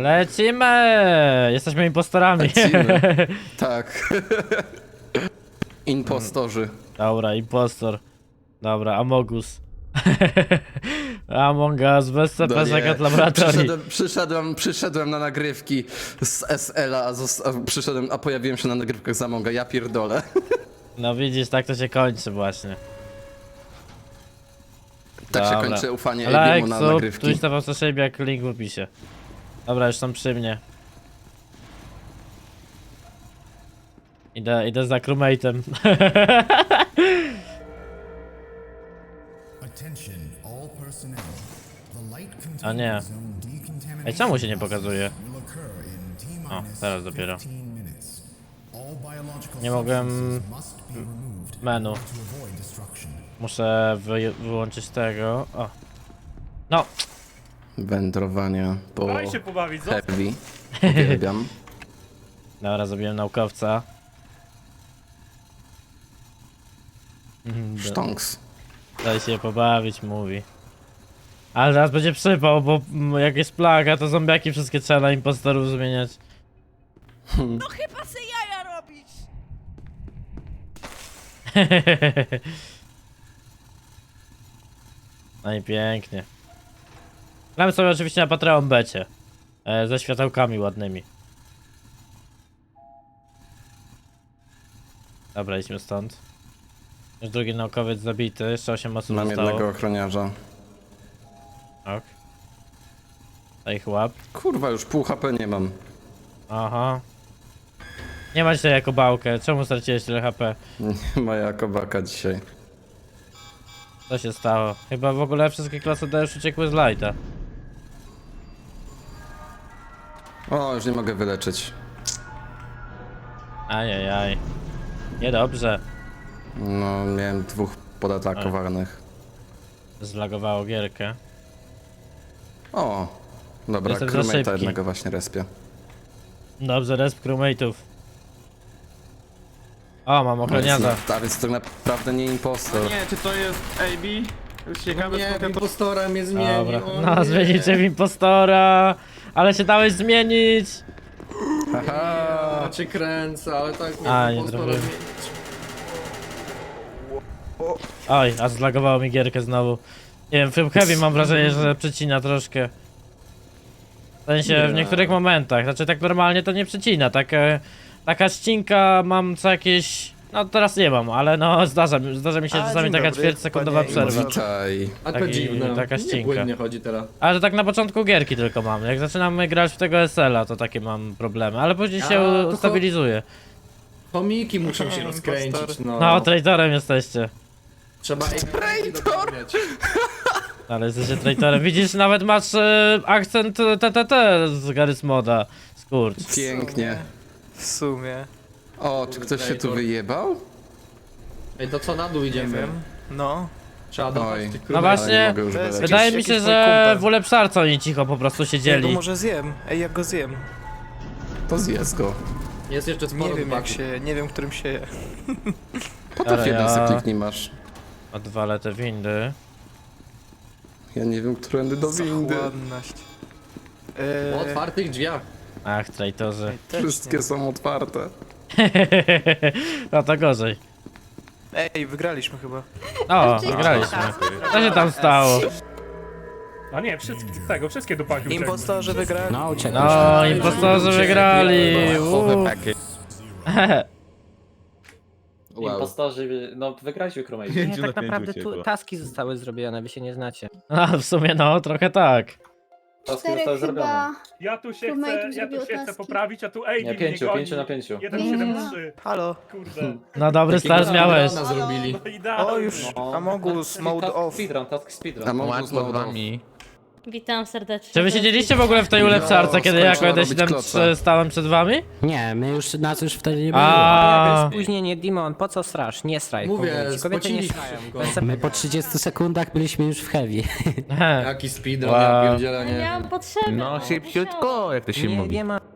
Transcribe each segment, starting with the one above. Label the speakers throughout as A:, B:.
A: Lecimy! Jesteśmy impostorami.
B: Lecimy. Tak. Impostorzy.
A: Dobra, impostor. Dobra, Amogus. Among Us bez CP Secret Laboratory.
B: Przyszedłem na nagrywki z SL-a, a pojawiłem się na nagrywkach z Amonga, ja pierdolę.
A: No widzisz, tak to się kończy właśnie.
B: Tak
A: Dobra.
B: się kończy ufanie
A: Like,
B: Abiemu na
A: sub,
B: nagrywki.
A: Twitch TV Sashabe, jak link w opisie. Dobra, już są przy mnie. Idę za crewmate'em. A nie. Ej, czemu się nie pokazuje? O, teraz dopiero. Nie mogłem... menu. Muszę wyłączyć tego. O. No!
B: Wędrowania po
C: Daj się pobawić, co?
B: heavy. Uwielbiam.
A: Dobra, zrobiłem naukowca.
B: Sztonks.
A: Daj się pobawić, mówi. Ale teraz będzie przypał, bo jak jest plaga, to zombiaki wszystkie trzeba na impostorów zmieniać.
D: No chyba se jaja robić!
A: No i pięknie. Gramy sobie oczywiście na Patreon becie. Ze światełkami ładnymi. Dobra, idźmy stąd. Już drugi naukowiec zabity, jeszcze 8 osób
B: Mam
A: zostało.
B: jednego ochroniarza.
A: Ok. Daj ich łap.
B: Kurwa, już pół HP nie mam.
A: Aha. Nie masz się jako bałkę, czemu straciłeś tyle HP?
B: Nie ma jako baka dzisiaj.
A: Co się stało? Chyba w ogóle wszystkie klasy D już uciekły z lighta.
B: O, już nie mogę wyleczyć.
A: Ajajaj. Niedobrze.
B: No, miałem dwóch podatakowanych.
A: Zlagowało gierkę.
B: O, dobra,
A: Jestem za
B: crewmate'a
A: szybki.
B: jednego właśnie respię.
A: Dobrze, resp crewmate'ów. O, mam ochroniarza.
B: A więc to naprawdę nie impostor.
C: Nie, czy to jest AB? Już ciekawe,
E: Nie,
C: skąd ja to...
E: impostora mnie zmienił.
A: Dobra.
E: o
A: No,
E: nie.
A: zmienicie w impostora. Ale się dałeś zmienić.
B: Haha.
E: Ja cię kręcę, ale tak mnie
A: A, nie
E: impostora
A: trafiłem.
E: zmienić.
A: Oj, a zlagowało mi gierkę znowu. Nie wiem, w Heavy mam wrażenie, że przecina troszkę. W sensie w niektórych momentach, znaczy tak normalnie to nie przecina, taka ścinka mam co jakieś... No teraz nie mam, ale no zdarza mi się czasami
F: dzień
A: taka
F: dobry,
A: ćwierćsekundowa
F: panie
A: przerwa.
B: Witaj.
E: A to
A: Taki-
E: dziwne.
A: taka
E: Nie
A: ścinka.
E: płynnie chodzi teraz.
A: Ale to tak na początku gierki tylko mam, jak zaczynamy grać w tego SL-a to takie mam problemy, ale później się
E: to
A: ustabilizuje.
E: Chomiki muszą się rozkręcić, no.
A: No, traitorem jesteście.
E: Trzeba traitor!
A: Ale jesteście traitorem. Widzisz, nawet masz akcent TTT z Garry's Moda. Skurcz.
B: Pięknie.
F: W sumie.
B: O, czy ktoś się tu
E: Traitor.
B: wyjebał?
E: Ej, to co na dół
F: Nie
E: idziemy?
F: wiem. No.
E: Trzeba
B: Oj.
E: dopaść tych
A: No
E: królów.
A: właśnie,
B: Nie mogę już
F: to jest
B: wyleczyć.
A: wydaje mi
F: jakiś
A: się,
F: mój
A: że
F: kumpel.
A: w ulepszarce oni cicho po prostu
F: Ja go
A: siedzieli.
F: może zjem. Ej, jak go zjem?
B: To zjedz go.
E: Jest jeszcze sporo
F: Nie wiem jak
E: chłopaków.
F: się, nie wiem którym się je.
B: Potem
A: Ale
B: jeden
A: ja-
B: se kliknij masz.
A: Odwalę te windy.
B: Ja nie wiem, którędy do windy.
F: Zachłanność.
E: Po otwartych drzwiach.
A: Ach, traitorzy.
F: Ej, też
B: Wszystkie
F: nie.
B: są otwarte.
A: No to gorzej.
F: Ej, wygraliśmy chyba.
A: O, wygraliśmy. Co się tam stało?
C: A nie, wszystkie dupaki uciekły.
F: Impostorzy wygrali.
A: No, impostorzy wygrali.
B: Wow.
G: Impostorzy, no wygraliśmy Chromate.
H: Nie, tak naprawdę tu taski zostały zrobione, wy się nie znacie.
A: A, w sumie no, trochę tak.
G: Taski zostały zrobione.
C: Ja tu się
I: Crewmate'ów
C: chcę,
I: zrobiło
C: chcę
I: taski.
C: poprawić, a tu AB
G: Nie,
C: mnie
G: 5
C: goni.
G: na 5.
C: 1,73.
F: Halo.
C: Kurde.
A: No dobry start miałeś.
E: Speedruna zrobili.
C: No idealnie.
F: O, już Amogus, mode off.
G: Speedrun,
B: A
G: speedrun.
B: mogę znowu
I: Witam serdecznie.
A: Czy wy siedzieliście w ogóle w tej ulepszarce, kiedy ja
B: skończyła robić
A: 1.7
B: kloca.
A: stałem przed wami?
H: Nie, my już nas już wtedy nie było.
A: A,
H: Spóźnienie, Demon, po co strasz? Nie straj.
E: Mówię,
H: kobiety. Kobiety nie
E: spociliśmy
H: strają.
E: go.
H: Bez My po 30 sekundach byliśmy już w heavy.
E: Jaki speedrun,
A: Wow.
E: ja pierdzielę,
I: Ale
E: nie
I: miałam
E: wiem.
I: potrzebę.
J: No szybciutko, jak to się
H: Nie,
J: mówi.
H: nie ma.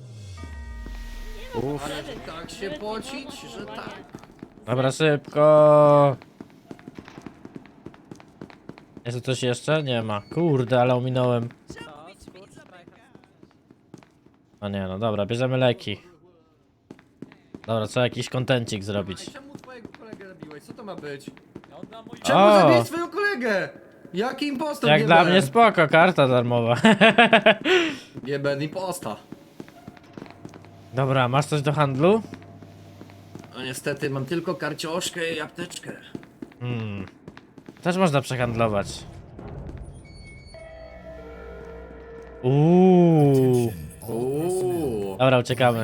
E: Tak się pocić, że tak.
A: dobra, szybko. Jest tu coś jeszcze? Nie ma. Kurde, ale ominąłem. No nie, no dobra, bierzemy leki. Dobra, trzeba jakiś kontencik zrobić.
E: Czemu twojego kolegę zabiłeś? Co to ma być?
A: O!
E: Czemu zabiłeś swojego kolegę? Jaki impostor?
A: Jak dla mnie spoko, karta darmowa.
E: GBN imposta.
A: Dobra, masz coś do handlu?
E: No niestety, mam tylko karcioszkę i apteczkę.
A: Też można przehandlować. Uuu. Dobra, uciekamy.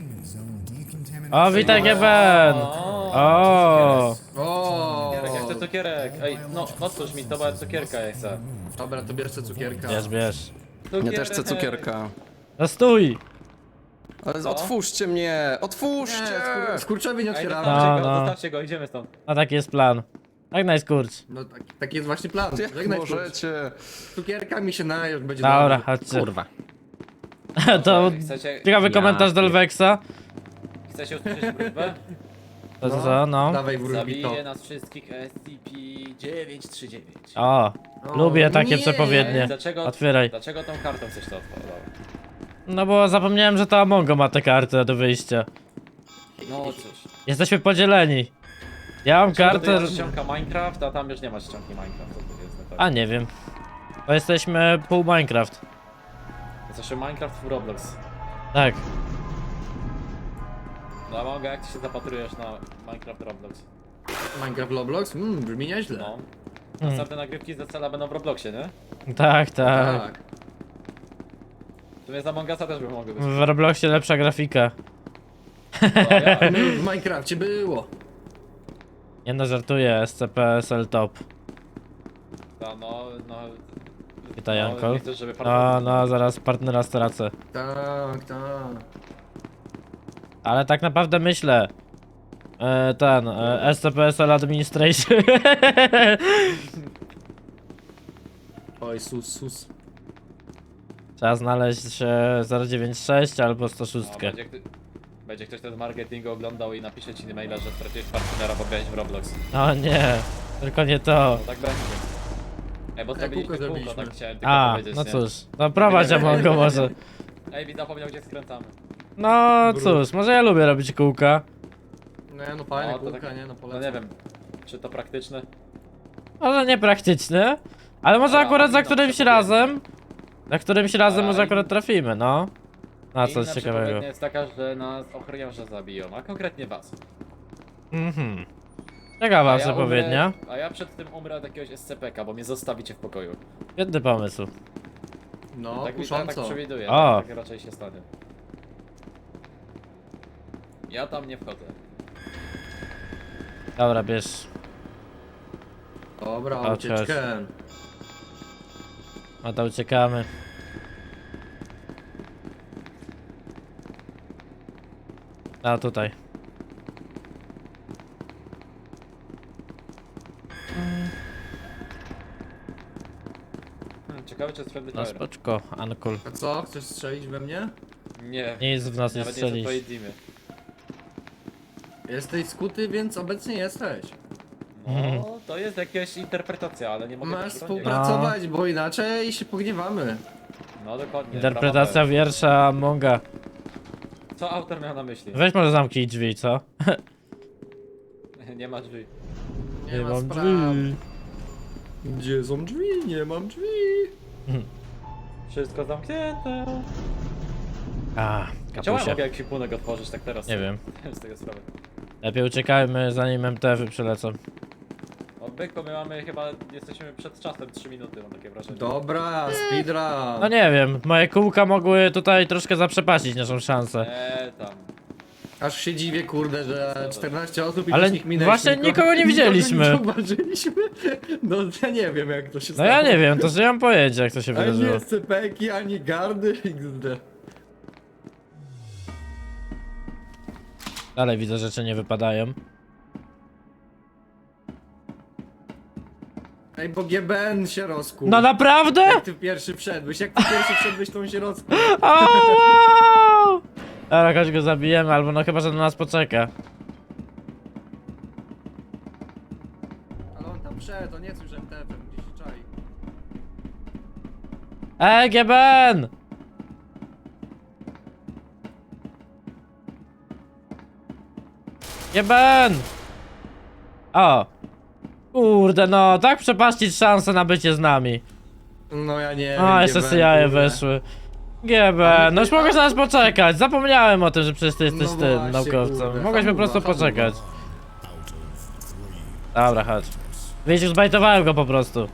A: O, witaj GBN! O!
E: O.
G: Ja chcę cukierek. Ej, no otwórz mi to, bo ja cukierka ja chcę.
E: Dobra, to bierz sobie cukierka.
A: Bierz, bierz.
B: Ja też chcę cukierka.
A: No stój!
B: Ale
G: Co?
B: otwórzcie mnie! Otwórzcie!
E: Skurczowi nie
G: Ej,
E: otwieramy.
G: zostawcie go, idziemy stąd.
A: No taki jest plan. Tak najskurcz.
E: No taki jest właśnie plan.
B: Jak
E: Żegnaj, skurcz.
B: możecie?
E: Cukierkami się najesz, będzie
A: Dobra,
E: dobrze.
A: chodźcie.
H: Kurwa.
A: To
G: Chcecie,
A: ciekawy komentarz do Lweksa.
G: chcecie usłyszeć wróżbę?
A: To co, no.
E: Dawaj wróć mi to.
G: Zabije nas wszystkich SCP-939.
A: O, lubię takie
E: nie.
A: przepowiednie. Otwieraj.
G: Dlaczego tą kartą chcesz to otworzyć?
A: No bo zapomniałem, że to Amongo ma tę kartę do wyjścia.
G: No cóż.
A: Jesteśmy podzieleni. Ja mam
G: Kartę...
A: kartę...
G: Masz ściąga Minecraft, a tam już nie ma ściągi Minecraft. Co to jest?
A: A nie wiem. To jesteśmy pół Minecraft.
G: Jesteśmy Minecraft w Roblox.
A: Tak.
G: No Amongo, jak ty się zapatrujesz na Minecraft Roblox?
E: Minecraft Roblox? Brzmi nieźle.
G: No. Następne nagrywki z Decela będą w Robloxie, nie?
A: Tak, tak.
E: Tak.
G: W sumie z Among Usa też by mogły być.
A: W Robloxie lepsza grafika.
G: No, ja.
E: W Minecrafcie było.
A: Nie no, żartuję. SCP-SL top.
G: No.
A: Witaj,
G: no,
A: Uncle.
G: nie chcesz, żeby
A: No, zaraz partnera stracę.
E: Tak, tak.
A: Ale tak naprawdę myślę. SCP-SL Administration.
E: Oj, sus.
A: Trzeba znaleźć 096 albo 106.
G: No, będzie ktoś ten marketing oglądał i napisze ci maila, że straciłeś partnera, bo grałeś w Roblox.
A: No nie, tylko nie to.
G: No tak będzie. Ej, bo zrobiliśmy kółko,
E: zrobiliśmy.
G: tak chciałem tylko
A: A,
G: powiedzieć,
A: no
G: nie?
A: cóż. No prowadź Amongo może.
G: Ej, widz zapomniał gdzie skręcamy.
A: No cóż, może ja lubię robić kółka.
E: No fajne
G: No, to
E: kółka,
G: tak-
E: nie? No
G: No
E: polecam.
G: nie wiem, czy to praktyczne?
A: Może niepraktyczne, ale może
G: Ale
A: akurat za
G: no,
A: którymś
G: przepowiednie.
A: razem. Za którymś razem
G: Ale
A: może akurat trafimy, no. Na
G: Inna
A: coś ciekawego.
G: przepowiednia jest taka, że nas ochroniarze zabiją, a konkretnie was.
A: Ciekawa
G: A ja
A: przepowiednia.
G: a ja przed tym umrę od jakiegoś SCP-ka, bo mnie zostawicie w pokoju.
A: Świetny pomysł.
E: No,
G: tak
E: kusząco.
G: przewiduję,
A: O.
G: tak raczej się stanie. Ja tam nie wchodzę.
A: Dobra, bierz.
E: Dobra,
A: Chodź,
E: ucieczkę.
A: No to uciekamy. A tutaj.
G: Ciekawe czy jest friendly
A: No
G: fire.
A: spoczko, Ankul.
E: A co? Chcesz strzelić we mnie?
G: Nie,
A: Nic w nas nie
G: nawet nie są
A: strzelić.
G: twojej teamy.
E: Jesteś skuty, więc obecnie jesteś.
G: No, to jest jakaś interpretacja, ale nie mogę
E: Masz
G: tego bronić.
E: współpracować, bo inaczej się pogniewamy.
G: No dokładnie.
A: Interpretacja
G: prawa
A: wiersza Amonga.
G: B. Co autor miał na myśli?
A: Weź może zamknij drzwi, co?
G: Nie ma drzwi.
E: Nie ma
A: mam
E: spraw.
A: drzwi.
E: Gdzie są drzwi? Nie mam drzwi.
G: Wszystko zamknięte.
A: A,
G: Czemu ja
A: kapusie.
G: mogę ekwipunek otworzyć tak teraz?
A: Nie wiem.
G: Z tego sprawy.
A: Lepiej uciekajmy zanim MTF-y przylecą.
G: O byku, my mamy chyba, jesteśmy przed czasem 3 minuty, mam takie wrażenie.
E: Dobra, speedrun.
A: No nie wiem, moje kółka mogły tutaj troszkę zaprzepaścić naszą szansę.
G: Tam.
E: Aż się dziwię, kurde, że 14 osób i
A: Ale
E: wszystkich minęliśmy.
A: właśnie nikogo nie widzieliśmy.
E: Nikogo nie zauważyliśmy. No ja nie wiem jak to się
A: No
E: stało.
A: ja nie wiem, to że ja mam pojęcie jak to się
E: Ani
A: wydarzyło.
E: SCP-ki, ani gardy, XD.
A: Dalej widzę, rzeczy nie wypadają.
E: Ej, bo GBN się rozkuł.
A: No naprawdę?
E: Jak ty pierwszy wszedłeś, to on się rozkuł.
A: O, wow! Dobra, chodź go zabijemy, albo no chyba, że na nas poczeka.
E: Ale on tam wszedł, to nie jest już MTF-em, gdzieś się czai.
A: GBN! Jeben! O! Kurde, no, tak przepaścić szansę na bycie z nami.
E: No ja nie
A: A,
E: wiem,
A: jeszcze
E: gdzie
A: sobie jaje
E: kurde.
A: weszły. GB, no już mogłeś na nas poczekać. Zapomniałem o tym, że przecież ty jesteś
E: No
A: tym
E: właśnie,
A: naukowcem.
E: kurde,
A: Mogłeś po
E: hamuwa,
A: prostu
E: hamuwa.
A: poczekać. Dobra, chodź. Wiesz, już zbajtowałem go po prostu.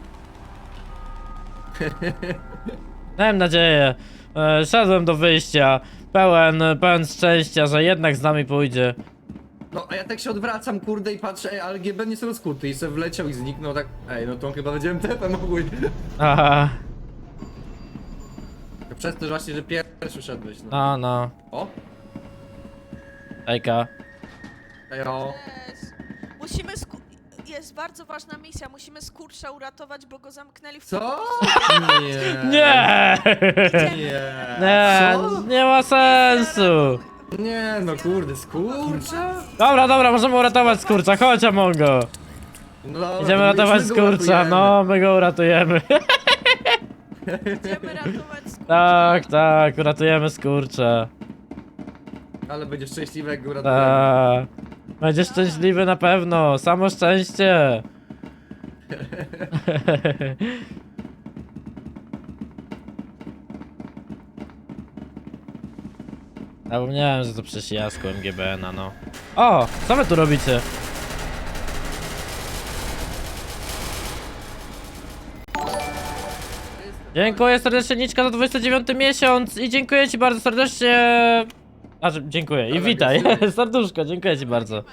A: Miałem nadzieję. Szedłem do wyjścia. Pełen szczęścia, że jednak z nami pójdzie.
E: No a ja tak się odwracam, kurde, i patrzę, ej, ale GB nie jest rozkuty i se wleciał i zniknął tak. Ej, no to on chyba będzie MTF-em ogólnie.
A: Aha,
E: Przez to, że właśnie, że pierwszy szedłeś, no.
A: no.
E: O,
A: Ejka.
E: ej, o.
D: Musimy jest bardzo ważna misja, musimy skurcza uratować, bo go zamknęli w
E: Co? Nie.
A: Nie!
E: Nie.
A: Nie,
E: Co?
A: nie ma sensu.
E: Nie, no kurde, skurcza?
A: Dobra, możemy uratować skurcza, chodź Amongo.
E: No dobra,
A: Idziemy
E: to
A: ratować
E: my go
A: skurcza,
E: uratujemy.
A: no my go uratujemy.
D: Idziemy ratować skurcza.
A: Tak, uratujemy skurcza.
E: Ale będzie szczęśliwy, jak go uratujemy.
A: Tak. Będziesz szczęśliwy na pewno, samo szczęście. Zapomniałem, że to przecież ja z MGBN-a, no. O, co wy tu robicie? Dziękuję serdecznie Niczka za 29 miesiąc i dziękuję ci bardzo serdecznie. Dziękuję i
E: Ale
A: witaj,
E: agresywnie.
A: serduszko, dziękuję ci bardzo.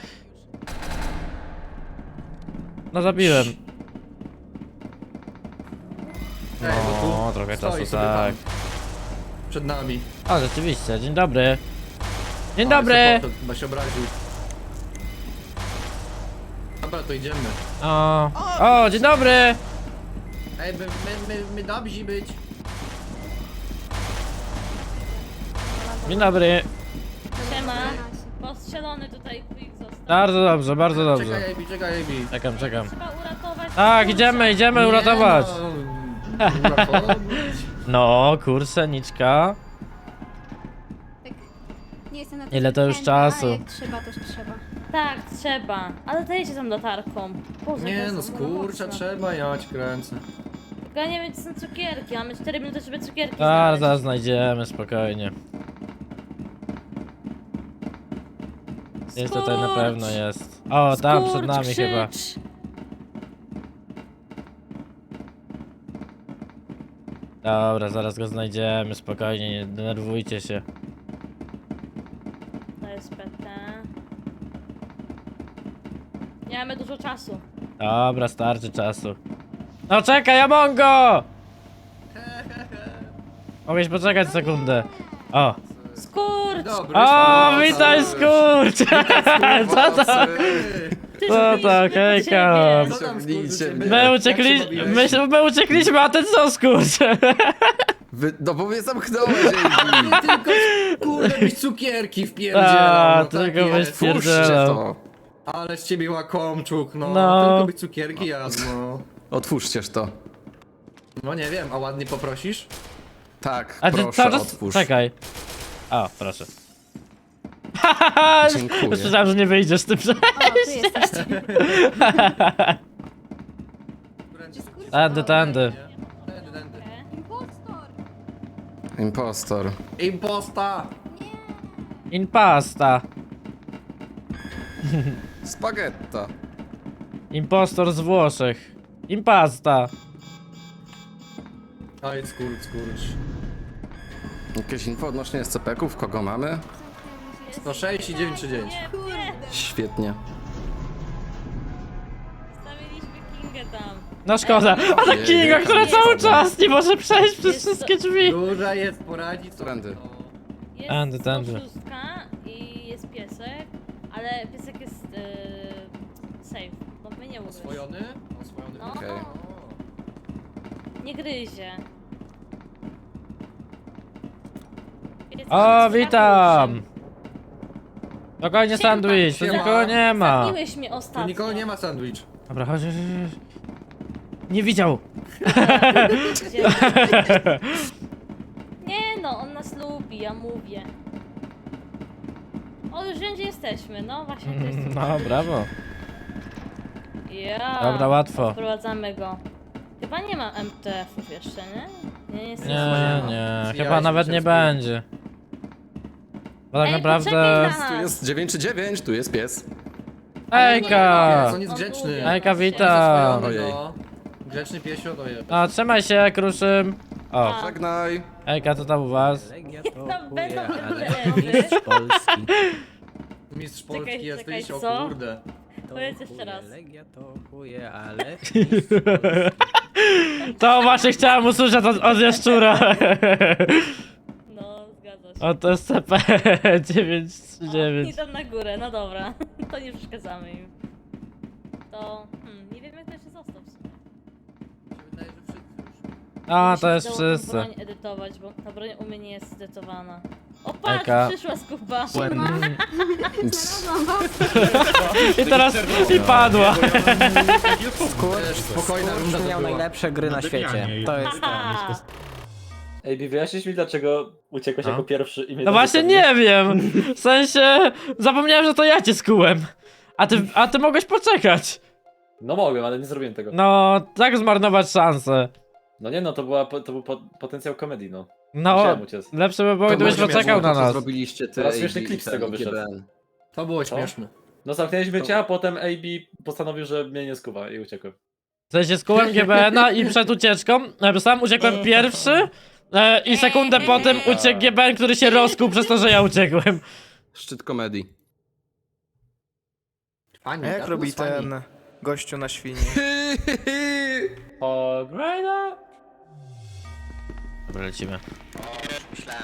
A: No zabiłem.
E: Ej, bo tu
A: No, trochę
E: stoi
A: czasu,
E: sobie
A: tak.
E: pan przed nami.
A: O, rzeczywiście, dzień dobry. Dzień
E: Ale
A: dobry!
E: se poszedł, chyba się obraził. Dobra, to idziemy.
A: O, dzień dobry!
E: Ej, my dobrzy być.
A: Dzień dobry.
I: Siema. Postrzelony tutaj quick został.
A: Bardzo dobrze, bardzo dobrze.
E: Czekaj, Ebi.
A: Czekam.
I: Trzeba uratować
A: Tak,
I: skurcza.
A: idziemy uratować.
E: No, uratować.
A: No, kurczę, Niczka.
K: Nie jestem na
A: Ile to już
K: chętna,
A: czasu?
K: a jak trzeba, to trzeba.
I: Tak, trzeba. Ale dajcie tam latarką. Boże, to
E: Nie
I: jest
E: no,
I: za
E: skurcza
I: mocno.
E: trzeba, ja cię kręcę.
I: Tylko ja nie wiem, gdzie są cukierki. Mamy 4 minuty, żeby cukierki
A: Zaraz
I: znaleźć.
A: znajdziemy, spokojnie. Jest tutaj na
I: Skurcz!
A: pewno jest. O, tam przed
I: Skurcz,
A: nami
I: krzycz!
A: chyba. Dobra, zaraz go znajdziemy, spokojnie, nie denerwujcie się.
I: To jest PT. Nie mamy dużo czasu.
A: Dobra, starczy czasu. No czekaj, Amongo! Mogłeś poczekać sekundę. O!
I: Skurcz!
E: Dobry.
A: O, witaj skurcz! Co to?
I: Ty
A: Co
I: zrobiliśmy
A: to,
I: do
A: hejka?
I: ciebie.
E: Co tam,
B: Ciągnijcie
E: skurczy,
B: mnie.
E: ciebie?
A: My
E: Jak się
A: uciekliśmy,
E: bawiłeś?
A: my uciekliśmy, a ten co skurcz?
B: No bo mnie zamknąłeś, Ejbi.
E: Tylko, kurde, byś cukierki wpierdzielał,
A: A,
E: no tak
A: tylko byś
E: jest.
B: Puszczcie to.
E: Ale z ciebie łakomczuk, no.
A: No.
E: Tylko byś cukierki jadł, no.
B: Otwórzcież to.
E: No nie wiem, a ładnie poprosisz?
B: Tak,
A: A ty
B: proszę,
A: cały czas...
B: otwórz.
A: Czekaj. O, proszę.
B: Dziękuję.
A: Myślałem, że nie wyjdziesz z tym, że...
K: O, tu jesteście.
A: Tędy.
E: Tędy.
K: Impostor!
B: Impostor.
E: Imposta!
A: Impasta.
B: Spagetta.
A: Impostor z Włoszech. Impasta.
E: Oj, skurcz.
B: Jakieś info odnośnie SCP-ków? Kogo mamy?
E: 106 i 939.
B: Świetnie.
I: Stawiliśmy Kingę tam.
A: No szkoda. Ale
B: Nie,
A: Kinga,
B: nie,
A: która
B: nie,
A: cały
B: nie.
A: czas nie może przejść przez
I: Jest
A: wszystkie drzwi.
E: Duża jest, poradzi co?
B: Którędy?
I: Jest
A: Tędy.
I: 106 i jest piesek, ale piesek jest safe, bo my nie ugryź.
E: Oswojony? Oswojony.
I: No.
B: Okej.
I: Nie gryzie.
A: O, witam. Spokojnie,
I: Siema.
A: sandwich, tu
E: Siema.
A: nikogo nie ma.
I: Zabiłeś mnie
E: Tu
I: ostatnio.
E: nikogo nie ma sandwich.
A: Dobra, chodź. Nie widział.
I: Gdzie? Nie no, on nas lubi, ja mówię. O, już wiem, gdzie jesteśmy, no właśnie to jest.
A: No, brawo.
I: Ja.
A: Dobra, łatwo.
I: Wprowadzamy go. Chyba nie ma MTF-ów jeszcze, nie? Nie, jest
A: Nie, chyba
E: Zwijałeś
A: nawet
E: mi
A: nie
E: się z
A: będzie. Bo tak
I: Ej,
A: naprawdę...
I: poczekaj na
B: Tu
I: nas.
B: jest 9 czy 9, tu jest pies.
A: Ejka!
E: On jest grzeczny.
A: Ejka, witam!
B: Ojej.
E: Grzeczny piesio to jest.
A: No, trzymaj się, Kruszym. O,
I: A.
B: Żegnaj.
A: Ejka, co tam u was?
I: Tam będą
H: ale
I: MTF-y.
H: mistrz Polski.
E: Mistrz
I: Czekaj,
E: Polski jesteś,
I: czekaj,
E: o
I: co?
E: kurde.
I: Powiedz jeszcze raz.
H: Legia to chuje, ale...
A: To właśnie chciałem usłyszeć od Jaszczura.
I: No, zgadza się.
A: O, to jest CP
I: O,
A: 939.
I: idą na górę, no dobra. To nie przeszkadzamy im. To... nie wiem jak to jeszcze został w sumie.
E: Wydaje, że wszyscy już.
A: A, to
I: Muszę
A: jest
I: tą
A: wszyscy.
I: broń edytować, bo ta broń u mnie nie jest edytowana. O patrz,
A: Eka.
I: przyszła skupa.
K: Znalazłam was.
A: I teraz i padła.
E: Spokojna runda to
H: Miał
E: była.
H: najlepsze gry na świecie. To jest to.
I: Haha.
G: Ej, wyjaśnisz mi dlaczego uciekłeś
A: No.
G: jako pierwszy i mnie
A: No
G: tam
A: właśnie
G: zostawiłeś?
A: nie wiem. W sensie zapomniałem, że to ja cię skułem. A ty mogłeś poczekać.
G: No mogłem, ale nie zrobiłem tego.
A: No, tak zmarnować szansę.
G: No nie no, to był potencjał komedii, no.
A: No,
G: Musiałem uciec.
A: lepsze by było, gdybyś
B: może
A: poczekał
B: miało
A: na
B: to, co
A: nas.
B: zrobiliście ty,
G: Teraz
B: AB
G: śmieszny
B: i
G: klip z
B: ten,
G: tego
B: i
G: wyszedł.
B: GBN.
E: To było
G: Co?
E: śmieszne.
G: No zamknęliśmy cię, a potem AB postanowił, że mnie nie skuwa i uciekłem.
A: W sensie skułem GBN-a i przed ucieczką sam uciekłem pierwszy i sekundę po tym uciekł GBN, który się rozkuł przez to, że ja uciekłem.
B: Szczyt komedii.
E: Fani,
F: A jak
E: tak?
F: robi
E: Z fani.
F: ten gościu na świni?
G: O, Grajda!
A: Dobra, lecimy.
F: Myślałem.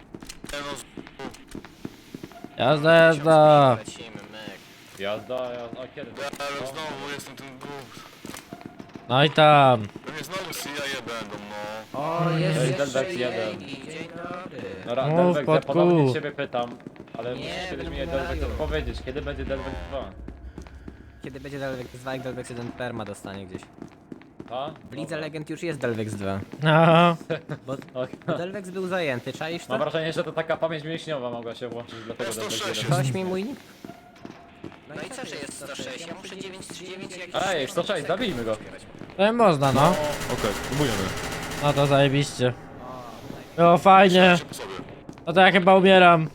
A: Jazda, jazda.
F: Lecimy, myk.
G: Jazda, jazda, a kiedy? No.
L: Znowu jestem ten głup.
A: No i tam.
L: Pewnie znowu CIA będą, no.
E: O, jest
G: Ej,
E: jeszcze
G: Delvex
E: jej.
G: jeden.
E: Dzień dobry.
G: Dobra,
A: Mów,
G: Delvex, ja
A: Patku.
G: ponownie ciebie pytam, ale
E: Nie,
G: musisz kiedyś
E: będą
G: mi
E: umierali.
G: Delvex odpowiedzieć, kiedy będzie Delvex 2?
H: Kiedy będzie Delvex 2, jak Delvex 1 perma dostanie gdzieś.
G: A?
H: W Lidze Legend już jest Delvex 2.
A: No.
H: Bo Delvex był zajęty, czaisz
G: Mam
H: to?
G: wrażenie, że to taka pamięć mięśniowa mogła się włączyć, dlatego Delvex 1.
H: Ktoś mi mój nick?
F: No i co, że jest 106? Ja muszę 939 jakiś...
G: Ej, 106, zabijmy go.
A: To można, no.
L: Okej, próbujemy.
A: No to zajebiście. O, fajnie. No to ja chyba umieram.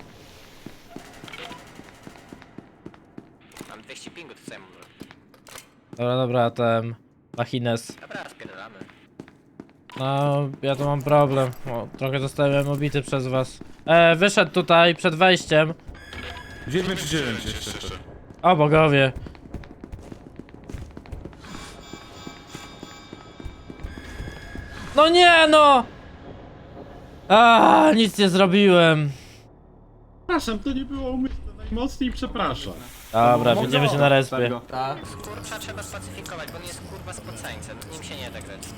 F: Mam 200 pingu, to co ja mam zrobić?
A: Dobra, ten... Machines.
F: Dobra, spierdolamy.
A: No, ja tu mam problem. O, trochę zostałem obity przez was. Wyszedł tutaj przed wejściem.
L: 9 czy 9 jeszcze.
A: O bogowie. No nie no! Nic nie zrobiłem.
L: Przepraszam, to nie było umyślne. Najmocniej przepraszam.
A: Dobra, widzimy się na respie.
E: Tak.
F: Kurwa, trzeba spacyfikować, bo on jest kurwa spoceńcem. Z nim się nie da grać.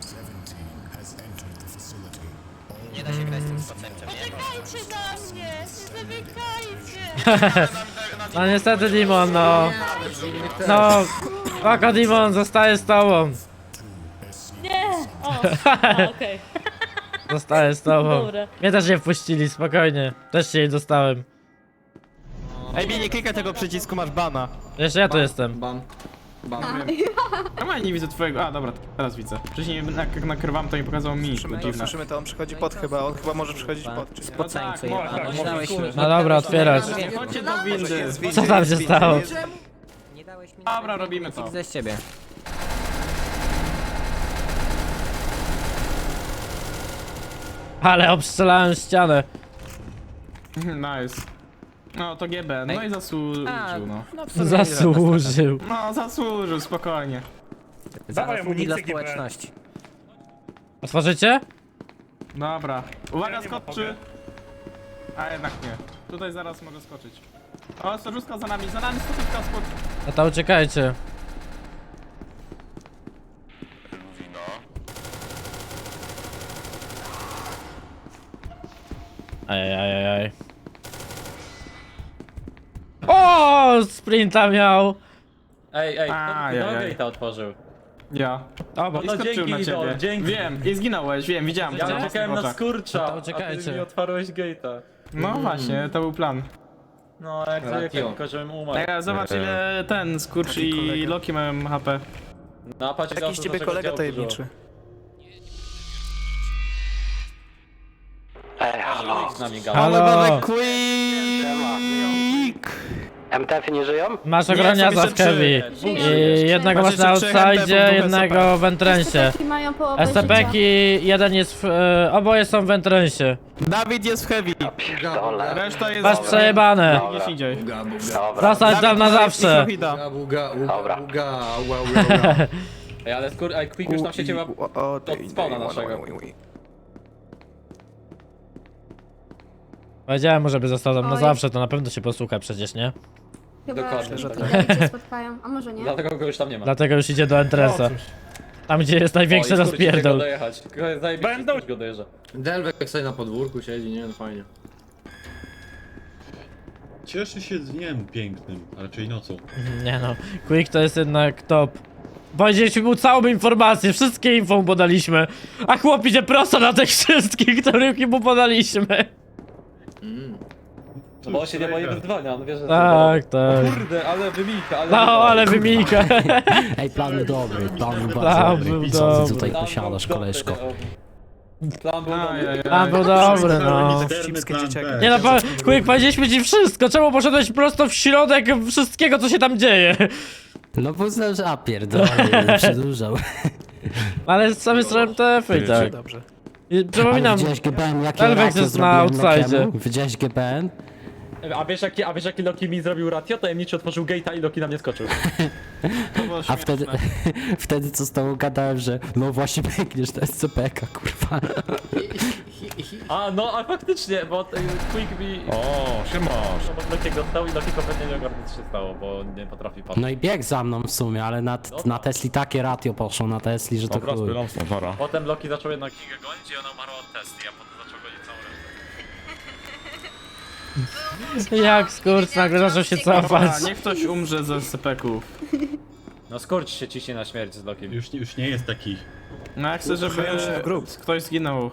F: Nie da się grać z tym spoceńcem, nie?
I: Czekajcie na mnie! Nie zamykajcie!
A: No niestety Dimon, no. No, Paka Dimon, zostaję z tobą.
I: Nie! O! Okej.
A: Zostaję z tobą.
I: Dobra.
A: Mnie też nie wpuścili, spokojnie. Też się jej dostałem.
F: Ej, nie klikaj tego przycisku, masz bana.
A: Jeszcze ja tu jestem.
E: Bam. Bam.
C: Ja nie widzę twojego. A dobra, teraz widzę. Wcześniej jak nakrywam, to mi pokazał mi.
F: Słyszymy to, on przychodzi pod chyba, on chyba może przychodzić pod, czy nie?
H: Spoceńcu
C: No tak,
H: jebany.
C: tak,
H: Nie dałeś mi...
A: No dobra, otwierać.
C: Chodźcie do windy.
A: Co tam się stało?
H: Nie dałeś mi...
C: Dobra, robimy to.
H: Widzę z ciebie.
A: Ale obstrzelałem ścianę.
C: Nice. No to GB, no i zasłużył, no.
H: No w sumie nie żadna strata.
A: Zasłużył.
C: No zasłużył, spokojnie.
H: Zaraz mówi dla społeczności.
A: Otworzycie?
C: Dobra. Uwaga, skoczy! A jednak nie. Tutaj zaraz mogę skoczyć. O, sojuszka za nami, skoczówka skocz.
A: No to uciekajcie.
L: Luwino.
A: Ajajajaj. O, sprinta miał.
G: Ej, kto
C: Ajajaj.
G: gate'a otworzył?
C: Ja.
A: O, bo
C: I
G: No
C: skoczył
G: dzięki,
C: na ciebie.
G: Idol, dzięki.
C: Wiem, i zginąłeś, wiem, widziałem.
G: Ja
C: to
G: czekałem
C: w
G: na
C: oczach.
G: skurcza,
A: No to
G: a
A: uciekajcie.
G: ty mi otwarłeś gate'a.
C: No właśnie, to był plan.
G: No, jak zwykle, tylko żebym umarł.
C: Ej, zobacz ile ten Skurcz i Loki mają HP.
G: No, patrz, jakiś ciebie kolega tajemniczy.
F: Ej, halo.
G: Z nami gada.
A: Halo,
F: MTF-y nie żyją?
A: masz ograniaza w Heavy. I jednego masz na outside, jednego w entrensie.
K: Mają połowę
A: SCP-ki, jeden jest w... oboje są w entrensie.
H: Dawid jest w heavy.
F: Pierdolę.
C: Reszta jest...
A: Masz przejebane.
C: Gdzieś indziej.
F: Dobra.
A: Zostać tam na zawsze.
F: Dobra.
G: Ej, ale Quick już tam się ciebie od spawna naszego.
A: Powiedziałem mu, żeby został tam na zawsze, to na pewno się posłucha przecież, nie?
K: Chyba
G: Dokładnie, że tak.
K: David się spotkają, a może nie?
G: Dlatego go już tam nie ma.
A: Dlatego już idzie do entresa. Tam, gdzie jest największy rozpierdol.
G: dojechać. Będą go dojeżdża.
E: Delwek sobie na podwórku siedzi, nie? No fajnie.
L: Cieszy się dniem pięknym, a raczej nocą.
A: Nie no, Quick to jest jednak top. Powiedzieliśmy mu całą informację, wszystkie info mu podaliśmy. A chłop idzie prosto na tych wszystkich, których mu podaliśmy.
G: No bo on się nie boi wyzwania, on wie, że...
A: Tak, tak.
G: Kurde, ale wymijka, ale...
A: No, ale wymijka.
H: Ej, plan był dobry, plan był
A: Plan
H: bardzo
A: był
H: dobry. Co ty
A: dobry.
H: tutaj posiadasz, koleżko?
G: Plan był dobry.
A: Plan był dobry, no. Nie no, Quick, powiedzieliśmy ci wszystko, czemu poszedłeś prosto w środek wszystkiego, co się tam dzieje?
H: No bo uznałem, że pierdolę, przedłużał.
A: Ale sami są TF-y i tak.
H: Dobrze.
A: I przypominam,
H: Widziałeś GBN, jakie
A: Elvex
H: ratio
A: jest na
H: zrobiłem
A: outsidzie.
H: Lokiemu? Widziałeś GBN?
G: A wiesz jaki Loki mi zrobił ratio? Tajemniczy otworzył gate'a i Loki na mnie skoczył.
H: A wtedy co z tobą gadałem, że no właśnie biegniesz na SCP-ka, kurwa.
G: A no, a faktycznie, bo Quick mi...
J: O, siemasz.
G: Bo Loki dostał i Loki kompletnie nie ogarnął co się stało, bo nie potrafi patrzeć.
H: No i biegł za mną w sumie, ale na Tesli takie ratio poszło, na Tesli, że to
J: Dobra,
H: chuj.
J: spylam stąd, para.
G: Potem Loki zaczął jednak Kigę gonić i ona umarła od Tesli, a potem zaczął gonić całą resztę.
A: jak skurcz nagle zaczął się cofać.
C: A, niech ktoś umrze ze SCP-ków.
G: No skurcz się ciśnie na śmierć z Lokiem.
L: Już nie jest taki...
C: No ja chcę, żeby ktoś zginął.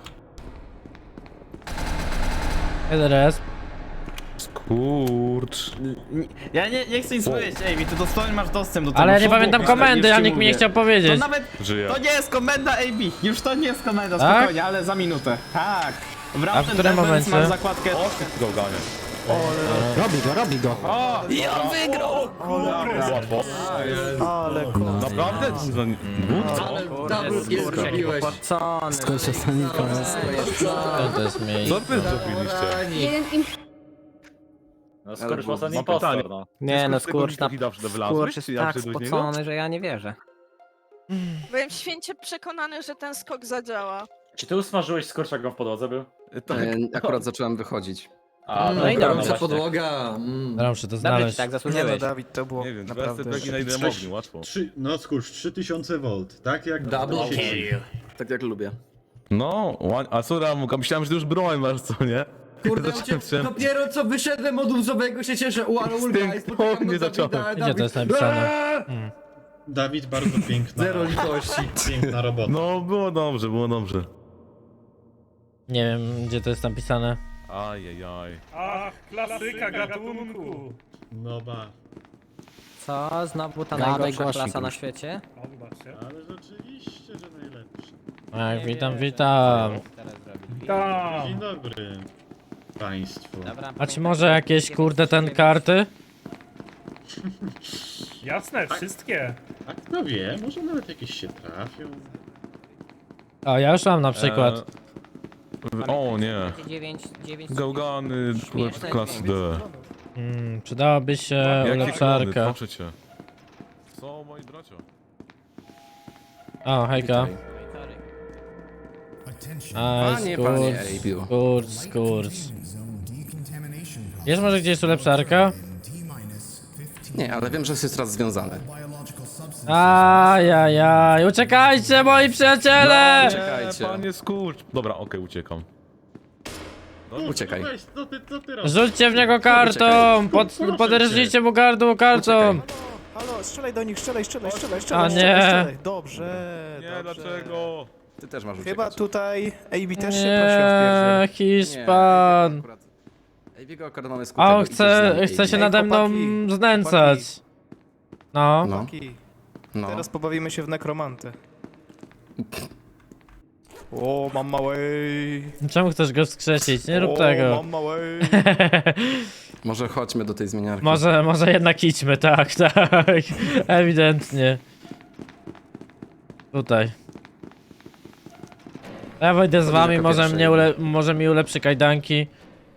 A: Teraz.
J: Skurcz.
C: Ja nie chcę nic powiedzieć, ej, ty dosłownie masz dostęp do tego.
A: Ale ja nie
C: szoku,
A: pamiętam
C: już
A: komendy,
C: ci
A: a nikt mi
C: mówię.
A: nie chciał powiedzieć.
C: To nawet,
J: Żyje.
C: to nie jest komenda AB, już to nie jest komenda,
A: Tak?
C: spokojnie, ale za minutę. Tak.
A: A w
C: Wracam
A: którym momencie?
C: masz zakładkę.
J: Gałganie.
H: Robi go.
C: O!
J: Łatwo. Naprawdę?
E: Double kill zrobiłeś.
H: Skończę Sonika.
A: To jest miejsce.
J: Co wy zrobiliście?
K: Jeden im...
G: No skurcz mocno
J: Mam
G: impostor,
J: pytanie.
G: no.
H: Nie no, skurcz
J: Skurcz
H: jest tak spocony, że ja nie wierzę.
D: Byłem święcie przekonany, że ten skok zadziała.
G: Czy ty usmażyłeś skurcz jak on w podłodze był?
B: Akurat zacząłem wychodzić.
G: A,
H: No i
G: dobra,
H: dobrze.
G: właśnie.
E: podłoga.
A: Ja muszę to
H: Dobrze
A: znaleźć.
H: ci tak zasłużyłeś.
F: Dawid, to było
J: Nie wiem, naprawdę na ile mogli, łatwo.
L: No skurcz, 3000 V, tak jak
E: Double
L: w sieci.
B: Tak jak lubię.
J: No, a co Ramuka? Myślałem, że ty już broń masz, co nie?
E: Kurde,
J: Zacząłem-
E: dopiero co wyszedłem od łzowego się cieszę, ale ulga, i spotykam
J: nie
E: do
J: zacząłem.
E: Dawida,
A: Gdzie to jest napisane?
L: Dawid, bardzo piękna.
E: Zero litości.
L: Piękna robota.
J: No, było dobrze, było dobrze.
A: Nie wiem, gdzie to jest napisane.
J: Ajajaj.
L: Ach, klasyka gatunku. No ba,
H: Co? Znowu ta
A: Gadaj
H: najgorsza
A: głośniej,
H: klasa na
A: kurczę.
H: świecie?
L: ale rzeczywiście, że najlepszy.
A: Tak, witam.
L: Dzień dobry państwu.
H: Dobra,
A: A czy może jakieś kurde ten karty?
L: Jasne, wszystkie. A kto wie, może nawet jakieś się trafią.
A: A ja już mam na przykład.
J: O nie.
H: 9
J: Gałgany klasy D.
A: Przydałaby się
J: Jakie klony,
A: ulepszarka.
J: proszę cię. Co, moi bracia?
A: O, hejka. Aj,
B: panie,
A: skurcz. Jest może gdzieś ulepszarka?
B: Nie, ale wiem, że jest raz związane.
A: Ajajaj, uciekajcie moi przyjaciele!
B: Czekajcie.
J: Panie skurcz. Dobra, okej, uciekam.
B: Uciekaj.
L: Weź, co ty robisz?
A: Rzućcie w niego kartą! Podrżnijcie mu gardło kartą!
F: Halo, strzelaj do nich, strzelaj.
A: A nie!
F: Dobrze,
J: Nie, dlaczego?
B: Ty też masz
F: Chyba
B: uciekać.
F: tutaj AB też się prosił o
A: Nie,
F: wpierdziel.
A: Hiszpan!
B: Ej, biega akurat mamy
A: A
B: skutego.
A: on chce się nade mną znęcać. No.
B: No, no.
C: Teraz pobawimy się w nekromantę. O, mam małej.
A: Czemu chcesz go wskrzesić? Nie rób tego.
C: Mam małej.
B: Może chodźmy do tej zmieniarki.
A: Może jednak idźmy, tak. Ewidentnie. Tutaj. Ja wejdę z wami,
B: jako
A: może,
B: pierwszy.
A: może mi ulepszy kajdanki.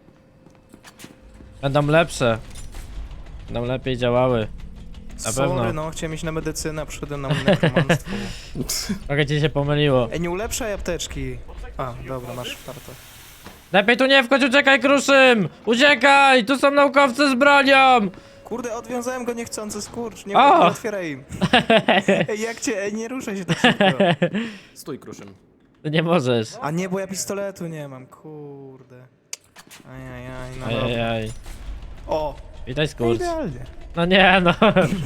A: Będą lepsze. Będą lepiej działały. Na pewno.
C: no, chciałem iść na medycynę, a przyszedłem na nekromanstwo.
A: Trochę ci się pomyliło.
C: Ej, nie ulepszaj apteczki. A, dobra, masz farta.
A: Lepiej tu nie wchodź, uciekaj, Kruszym! Uciekaj! Tu są naukowcy z bronią!
C: Kurde, odwiązałem go niechcący, skurcz, nie
A: O!
C: otwieraj im. Ej, jak cię, ej, nie ruszaj się tak szybko.
B: Stój, Kruszym.
A: Ty nie możesz.
C: A nie, bo ja pistoletu nie mam, kurde. Ajajaj, no dobra.
A: Ajajaj.
C: O,
A: Witaj, skurcz.
C: idealnie.
A: No nie, no.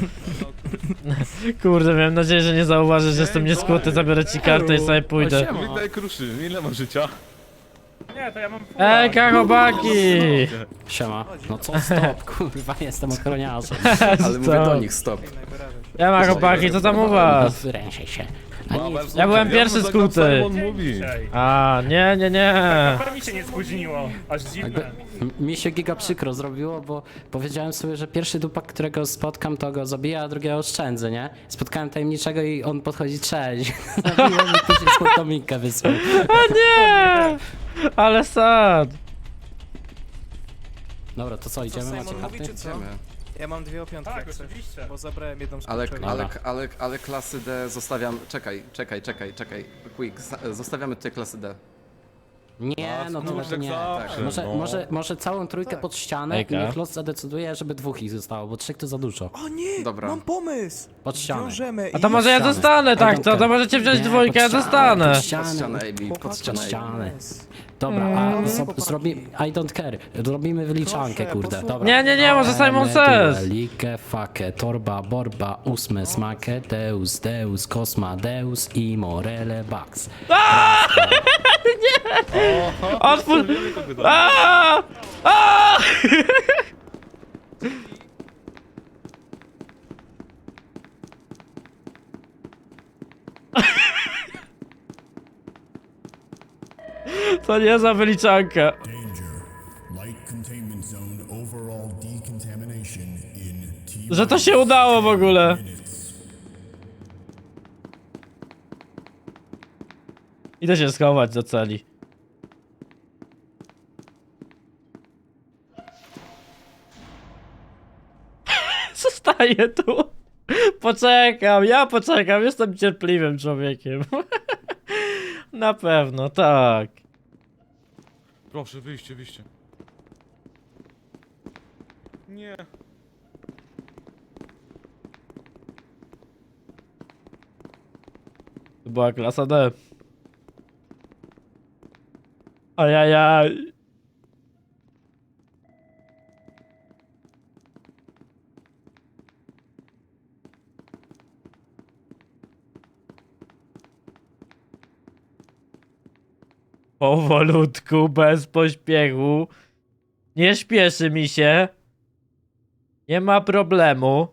A: Kurde, miałem nadzieję, że nie zauważysz, że jestem nieskuty, zabiorę ci kartę i sobie pójdę.
J: Witaj, Kruszy, ile masz życia?
A: Ej, chłopaki!
H: Siema. No co stop, kurwa, jestem ochroniarzem.
B: Ale mówię do nich, stop.
A: Ja ma chłopaki, co tam u was?
H: Wyręczaj się.
A: Ja byłem pierwszy skuty.
J: Mówi.
A: A, nie.
C: Mi się nie spóźniło, aż dziwne.
H: Mi się giga przykro zrobiło, bo powiedziałem sobie, że pierwszy dupak, którego spotkam, to go zabiję, a drugiego oszczędzę, nie? Spotkałem tajemniczego i on podchodzi, cześć. Zabiłem i później skąd minkę wysłał.
A: A nie! Ale sad.
H: Dobra, to co, idziemy? Macie karty?
B: Idziemy.
C: Ja mam 2 opiątki, tak, oczywiście. Bo zabrałem jedną z
B: Ale,
C: kurczego.
B: ale klasy D zostawiam... Czekaj. Quick, zostawiamy tutaj klasy D.
H: Nie, no to
J: tak
H: nie.
J: zawsze,
H: Może całą trójkę pod ścianę
A: Ejka.
H: i niech los zadecyduje, żeby 2 ich zostało, bo 3 to za dużo.
C: O nie,
B: Dobra.
C: mam pomysł!
H: Pod ścianę.
C: Wiążemy
A: A to może ja
H: ścianę.
A: zostanę, tak,
H: Ej,
A: to możecie wziąć
H: Nie,
A: dwójkę, ja
H: pod
A: zostanę.
H: Pod
B: Pod
H: ścianę.
B: ścianę, AB, pod
H: Pod
B: ścianę, AB.
H: ścianę. Dobra, a zrobimy... I don't care. Zrobimy wyliczankę,
C: Proszę,
H: kurde.
C: posłuchaj.
H: Dobra.
A: Nie, może Simon Says.
H: Like, fake, torba, borba, ósme, smake, deus, kosma, deus i morele, bax.
A: Otwórz! Aaaa! Aaaa! To nie za wyliczanka. Że to się udało w ogóle. Idę się schować do celi. Zostaję tu. Ja poczekam, jestem cierpliwym człowiekiem. Na pewno, tak.
J: Proszę, wyjście. Nie.
A: To była klasa D. Ajajaj. Powolutku, bez pośpiechu. Nie śpieszy mi się. Nie ma problemu.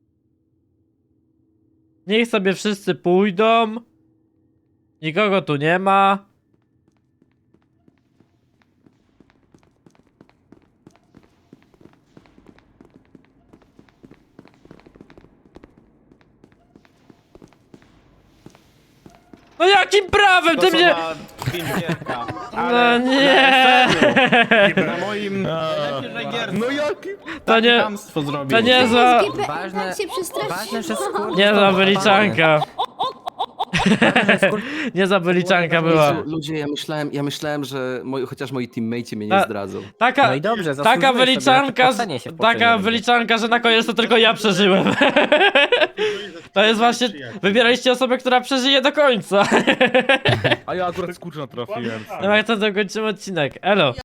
A: Niech sobie wszyscy pójdą. Nikogo tu nie ma. No jakim prawem ty mnie... No nie!
C: Na moim...
J: No jaki?
A: To nie...
C: Hamstwo zrobił.
A: To nie za...
K: Ważne, tak się przestraszyło.
A: Nie za wyliczanka. Nie za wyliczanka była.
B: Ludzie, ja myślałem, że chociaż moi teammate'ci mnie nie zdradzą.
A: Taka, taka wyliczanka, taka wyliczanka, że na koniec to tylko ja przeżyłem. To jest właśnie, wybieraliście osobę, która przeżyje do końca.
J: A ja akurat skurcz natrafiłem.
A: No jak to zakończymy odcinek. Elo.